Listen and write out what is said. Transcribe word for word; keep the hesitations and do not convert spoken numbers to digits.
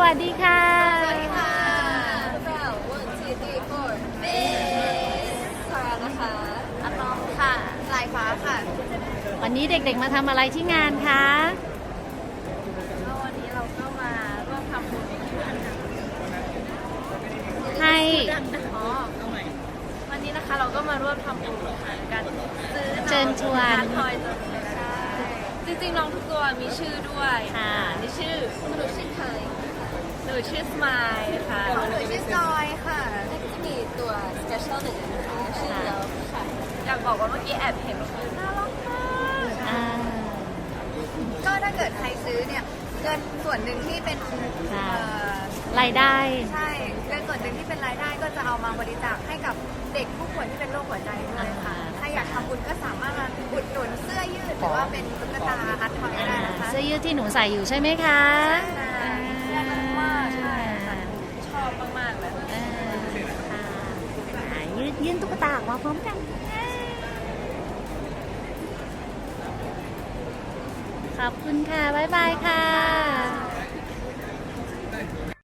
วัสดีค่ะสวัสดีค่ะพวกเรา one two three four เบสซานะคะอะตอมค่ะลายฟ้าค่ะวันนี้เด็กๆมาทำอะไรที่งานคะก็วันนี้เราก็มาร่วมทำบุญให้อ๋อวันนี้นะคะเราก็มาร่วมทำบุญกันซื้อเชิญชวนทอยตัวนี้ใช่จริงๆน้องทุกตัวมีชื่อด้วยค่ะนี่ชื่อหนูชื่อไทยหนูชื่อสมายค่ะหนูชื่อจอยค่ะแล้วก็จะมีตัว special หนึ่งนะคะชื่อเดียวค่ะอยากบอกว่าเมื่อกี้แอบเห็นคือน่ารักมากอ่าก็ถ้าเกิดใครซื้อเนี่ยเงินส่วนหนึ่งที่เป็นค่ะเอ่อรายได้ใช่เงินส่วนหนึ่งที่เป็นรายได้ก็จะเอามาบริจาคให้กับเด็กผู้ป่วยที่เป็นโรคหัวใจด้วยค่ะอ่าถ้าอยากทำบุญก็สามารถมาอุดหนุนเสื้อยืดหรือว่าเป็นตุ๊กตาอาร์ตทอยได้นะคะเสื้อยืดที่หนูใส่อยู่ใช่ไหมคะใช่อ่าน่ารักมากใช่ค่ะชอบมากๆเลยอ่าค่ะอ่ายืดยื่นตุ๊กตาออกมาพร้อมกัน ขอบคุณค่ะ บ๊ายบายค่ะ